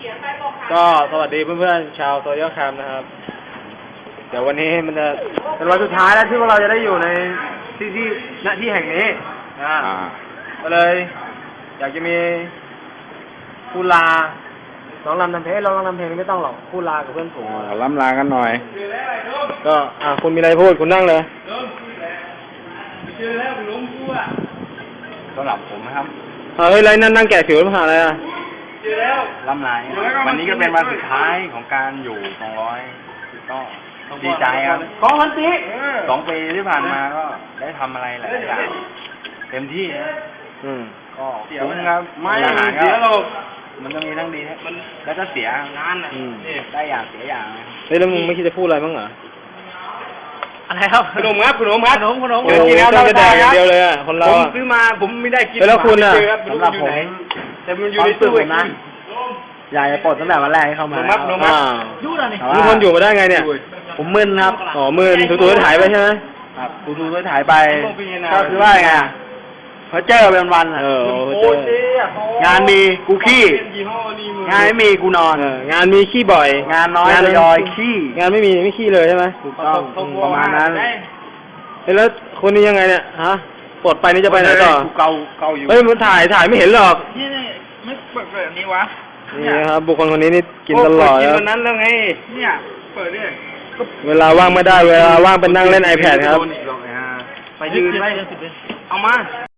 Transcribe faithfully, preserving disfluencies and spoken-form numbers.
ก็สวัสดีเพื่อนๆชาวโซเชียลแคมป์นะครับเดี๋ยววันนี้มันจะเป็นวันสุดท้ายแล้วที่พวกเราจะได้อยู่ในที่ที่ณที่แห่งนี้นะก็เลย อยากจะมีผู้ลาร้องรำทำเพลงร้องรำทำเพลงไม่ต้องหรอกผู้ลากับเพื่อนฝูงล้ำลากันหน่อยก็อ่าคุณมีอะไรพูดคุณนั่งเลยเจอแล้วล้มกูอ่ะสำหรับผมนะครับเฮ้ยไรนั่นนั่งแกะผิวมาหาอะไรอ่ะเจอแล้วล้ำลายวันนี้ก็เป็นวันสุดท้ายของการอยู่สองร้อยก็ดีใจครับสองพันปีสองปีที่ผ่านมาก็ได้ทำอะไรหลายอย่างเต็มที่นะอืมก็คุ้มครับไม่เสียหรอกมันก็มีทั้งดีมันแล้วก็เสียงานอ่ะได้อย่างเสียอย่างเฮ้ยแล้วมึงไม่คิดจะพูดอะไรบ้างเหรออะไรครับขนมครับขนมครับขนมขนมเดี๋ยวกินแล้วเราจะแดกอย่างเดียวเลยอ่ะคนเราผมซื้อมาผมไม่ได้กินแล้วคุณอ่ะสำหรับผมแต่มันอยู่ในตู้นะอยากจะปลดตั้งแต่วันแรกให้เข้ามาแล้วอ่ามึงทนอยู่มาได้ไงเนี่ยผมมึนครับอ๋อมึนถูๆถ่ายไปใช่ไหมครับถูๆถ่ายไปก็คือว่าไงเพราะเจอเป็นวันอ่ะงานมีกูขี้งานไม่มีกูนอนงานมีขี้บ่อยงานน้อยเลยยอยขี้งานไม่มีไม่ขี้เลยใช่ไหมถูกต้องประมาณนั้นแล้วคนนี้ยังไงเนี่ยฮะปลดไปนี่จะไปไหนต่อเกาเกาอยู่เฮ้ยมันถ่ายถ่ายไม่เห็นหรอกนี่นี่ไม่เปิดแบบนี้วะนี่ครับบุคคลคนนี้นี่กินตลอดกินวันนั้นแล้วไงเนี่ยเปิดเนี่ยเวลาว่างไม่ได้เวลาว่างเป็นนั่งเล่น iPad ครับไปยืนไปเอามา